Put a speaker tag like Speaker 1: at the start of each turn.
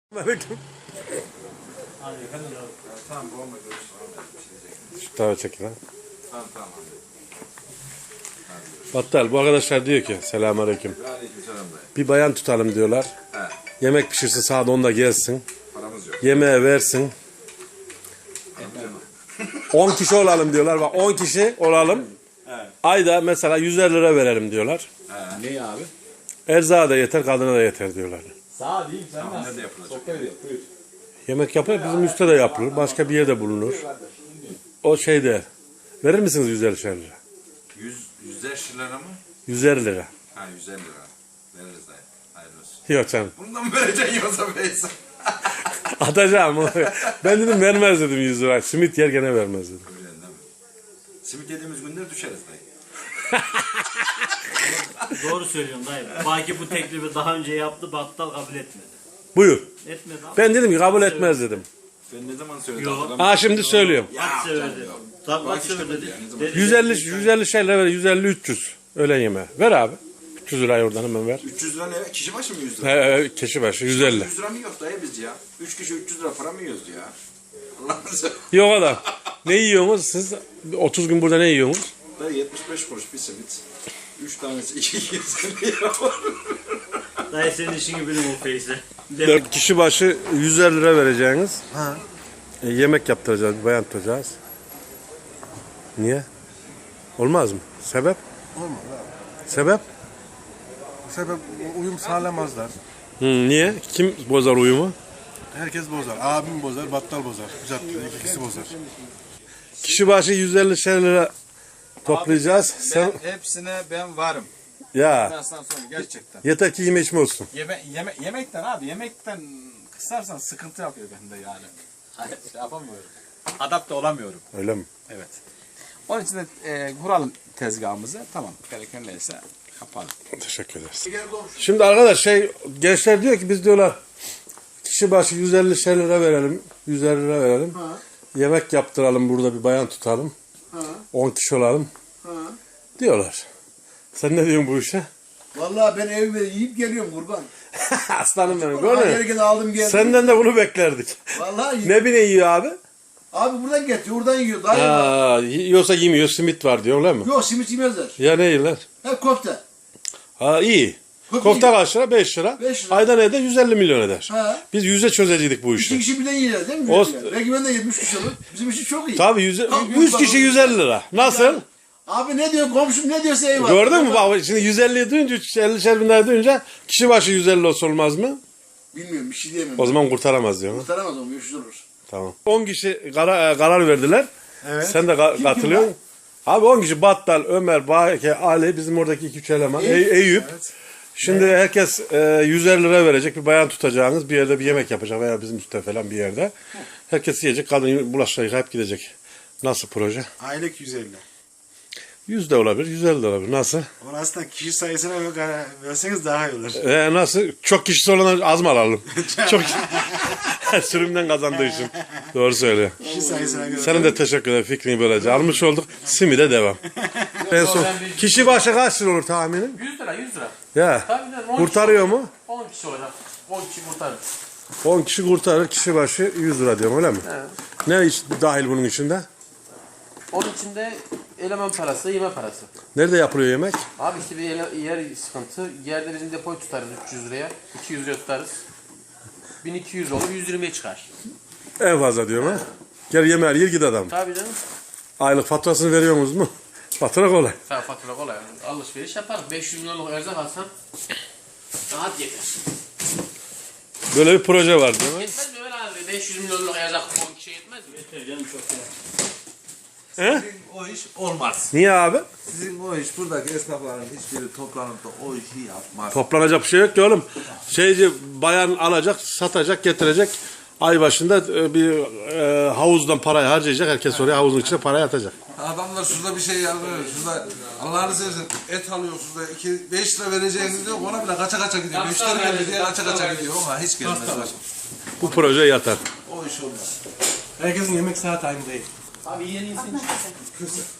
Speaker 1: Aleyküm.
Speaker 2: Tamam bu olmadı.
Speaker 1: Şu tarafa çekin ha.
Speaker 2: Tamam.
Speaker 1: Battal bu arkadaşlar diyor ki selamünaleyküm.
Speaker 2: Aleykümselam dayı.
Speaker 1: Bir bayan tutalım diyorlar.
Speaker 2: He.
Speaker 1: Yemek pişirsin saat 10'da gelsin.
Speaker 2: Paramız yok.
Speaker 1: Yemeğe versin. 10 kişi olalım diyorlar. Bak 10 kişi olalım. Ayda mesela 150 lira verelim diyorlar.
Speaker 3: Ne abi?
Speaker 1: Erzağa da yeter, kadına da yeter diyorlar.
Speaker 3: Sağ değil sen
Speaker 2: Tamam, nerede yapılacak?
Speaker 3: Sohbet ediyor. Buyur.
Speaker 1: Yemek yapılır, bizim üstte de yapılır. Başka bir yerde bulunur. O şeyde. Verir misiniz 150 lira?
Speaker 2: 100 lira mı?
Speaker 1: 150 lira.
Speaker 2: Ha 150 lira. Veririz dayı. Hayırlı olsun.
Speaker 1: Yok canım.
Speaker 2: Bundan mı vereceksin yoksa Veysel?
Speaker 1: Atacağım. Ben dedim vermez dedim 100 lira. Simit yer gene vermez dedim.
Speaker 2: Öyle değil mi? Simit yediğimiz günler düşeriz dayı.
Speaker 4: Doğru söylüyorsun dayı. Baki bu teklifi daha önce yaptı, battal kabul etmedi.
Speaker 1: Buyur.
Speaker 4: Etmedi abi.
Speaker 1: Ben dedim ki kabul etmez dedim.
Speaker 2: Ben ne zaman söyledim?
Speaker 4: Yok.
Speaker 2: hatırlamıyorum.
Speaker 1: Ha şimdi söylüyorum.
Speaker 4: Kaç sever dedi. Tam kaç
Speaker 2: Baki işte
Speaker 4: sever dedi.
Speaker 2: dedi ya, ne zaman-
Speaker 4: Dedi.
Speaker 1: 150 şeyler ver. 150 300 öğlen yemeği. Ver abi. 300 lirayı oradan hemen ver.
Speaker 2: 300 lira ne? Kişi başı mı 100 lira?
Speaker 1: Kişi başı 150.
Speaker 2: 100 lira mı yok dayı biz ya? 3 kişi 300 lira para mı yiyoruz ya? Allah'ını seversen.
Speaker 1: Yok adam. Ne yiyorsunuz siz? 30 gün burada ne yiyorsunuz?
Speaker 2: Dayı 75 kuruş bir simit. 3 tanesi 220 lira var.
Speaker 4: Dayı senin işini bilim o Feyse.
Speaker 1: 4 kişi başı 150 lira vereceğiniz. Yemek yaptıracağız, bayan tutacağız. Niye? Olmaz mı? Sebep?
Speaker 5: Olmaz abi.
Speaker 1: Sebep?
Speaker 5: Sebep uyum sağlamazlar.
Speaker 1: Niye? Kim bozar uyumu?
Speaker 5: Herkes bozar. Abim bozar, battal bozar. Caddede ikisi bozar.
Speaker 1: Kişi başı 150 lira toplayacağız. Sen
Speaker 3: Hepsine ben varım.
Speaker 1: ya
Speaker 3: Ben sana söyleyeyim gerçekten.
Speaker 1: yeter ki yeme içme olsun.
Speaker 3: Yemekten abi yemekten kısarsan sıkıntı yapıyor bende yani. Hayır, şey yapamıyorum. Adapte olamıyorum.
Speaker 1: Öyle mi?
Speaker 3: Evet. Onun için de kuralım tezgahımızı. Tamam. Gereken neyse yapalım.
Speaker 1: Teşekkür ederiz. Şimdi arkadaş gençler diyor ki biz diyorlar kişi başı 150 lira verelim. 150 lira verelim. Yemek yaptıralım burada bir bayan tutalım. 10 kişi olalım. Diyorlar. Sen ne diyorsun bu işe?
Speaker 6: Vallahi ben evime yiyip geliyorum kurban.
Speaker 1: Aslanım benim.
Speaker 6: Vallahi
Speaker 1: Gördün mü?
Speaker 6: gelirken aldım geldim.
Speaker 1: Senden de bunu beklerdik.
Speaker 6: Vallahi
Speaker 1: Ne bine yiyor abi?
Speaker 6: abi buradan getiriyor, oradan yiyor. Daha iyi.
Speaker 1: Yiyorsa yemiyor, simit var diyor öyle mi?
Speaker 6: Yok simit yemezler.
Speaker 1: Ya ne yiyorlar?
Speaker 6: Hep köfte.
Speaker 1: Ha iyi.
Speaker 6: Köfte
Speaker 1: Kofta
Speaker 6: yiyor.
Speaker 1: kaç lira? 5 lira.
Speaker 6: 5 lira.
Speaker 1: Ayda ne eder? 150 milyon eder.
Speaker 6: Ha.
Speaker 1: Biz 100'e çözecektik bu
Speaker 6: İki
Speaker 1: işi.
Speaker 6: kişi birden yiyorlar değil mi?
Speaker 1: O-
Speaker 6: Yani? Belki ben de 70 kişi olur. Bizim için çok iyi.
Speaker 1: Tabii 100 kişi 150 lira. Nasıl?
Speaker 6: Abi ne diyor komşum ne diyorsa eyvallah.
Speaker 1: Gördün mü bak şimdi 150'yi duyunca 50'şer bin lira duyunca kişi başı 150 olsa olmaz mı?
Speaker 6: Bilmiyorum bir şey diyemem.
Speaker 1: O zaman kurtaramaz diyor.
Speaker 6: Kurtaramaz onu 500 olur.
Speaker 1: Tamam. 10 kişi karar verdiler.
Speaker 6: Evet.
Speaker 1: Sen de katılıyorsun. Abi 10 kişi Battal, Ömer, Bahike, Ali bizim oradaki 2-3 eleman. Eyüp. Şimdi herkes 150 lira verecek. Bir bayan tutacağınız bir yerde bir yemek yapacak veya bizim üstte falan bir yerde. Herkes yiyecek. Kadın bulaşıkları yıkayıp gidecek. Nasıl proje?
Speaker 5: Aylık 150.
Speaker 1: 100 de olabilir, 150 de olabilir. Nasıl?
Speaker 5: Onu aslında kişi sayısına göre verseniz daha iyi olur.
Speaker 1: Nasıl? Çok kişisi olan az mı alalım? Çok sürümden kazandığı için. Doğru söylüyor.
Speaker 5: Kişi sayısına göre.
Speaker 1: Senin de teşekkür ederim. Fikrini böylece almış olduk. Simide devam. En son kişi başı kaç lira olur tahminin?
Speaker 4: 100 lira 100 lira.
Speaker 1: Ya.
Speaker 4: Tabii canım, 10
Speaker 1: Kurtarıyor mu?
Speaker 4: 10 kişi olacak. 10 kişi kurtarır.
Speaker 1: 10 kişi kurtarır. Kişi başı 100 lira diyorum öyle mi? Ne iş dahil bunun içinde?
Speaker 7: Onun içinde eleman parası, yeme parası.
Speaker 1: Nerede yapılıyor yemek?
Speaker 7: Abi işte bir yer sıkıntı. Yerde bizim depoyu tutarız 300 liraya. 200 liraya tutarız. 1200 olur, 120'ye çıkar.
Speaker 1: En fazla diyorum ha. Gel yemeğe yer git adam.
Speaker 7: Tabii canım.
Speaker 1: Aylık faturasını veriyor musunuz mu? Fatura kolay.
Speaker 7: Fatura kolay. Alışveriş yaparız. 500 milyonluk erzak alsan rahat yeter.
Speaker 1: Böyle bir proje var değil mi?
Speaker 7: Yetmez mi Ömer abi? 500 milyonluk erzak 10 kişiye yetmez mi?
Speaker 4: Yeter canım çok ya.
Speaker 1: He?
Speaker 8: O iş olmaz.
Speaker 1: Niye abi?
Speaker 8: Sizin o iş buradaki esnafların hiçbiri toplanıp da o işi yapmaz.
Speaker 1: Toplanacak bir şey yok ki oğlum. Bayan alacak, satacak, getirecek. Ay başında bir havuzdan parayı harcayacak. Herkes oraya havuzun içine parayı atacak.
Speaker 8: Adamlar şurada bir şey yapıyor. Şurada Allah'ını seversen et alıyor şurada 5 lira vereceğiniz diyor. Ona bile kaça gidiyor. Müşteri geldi diye kaça gidiyor ama hiç gelmez.
Speaker 1: Bu proje yatar.
Speaker 8: O iş olmaz.
Speaker 5: Herkesin yemek saati aynı değil.
Speaker 7: Abi yeni insan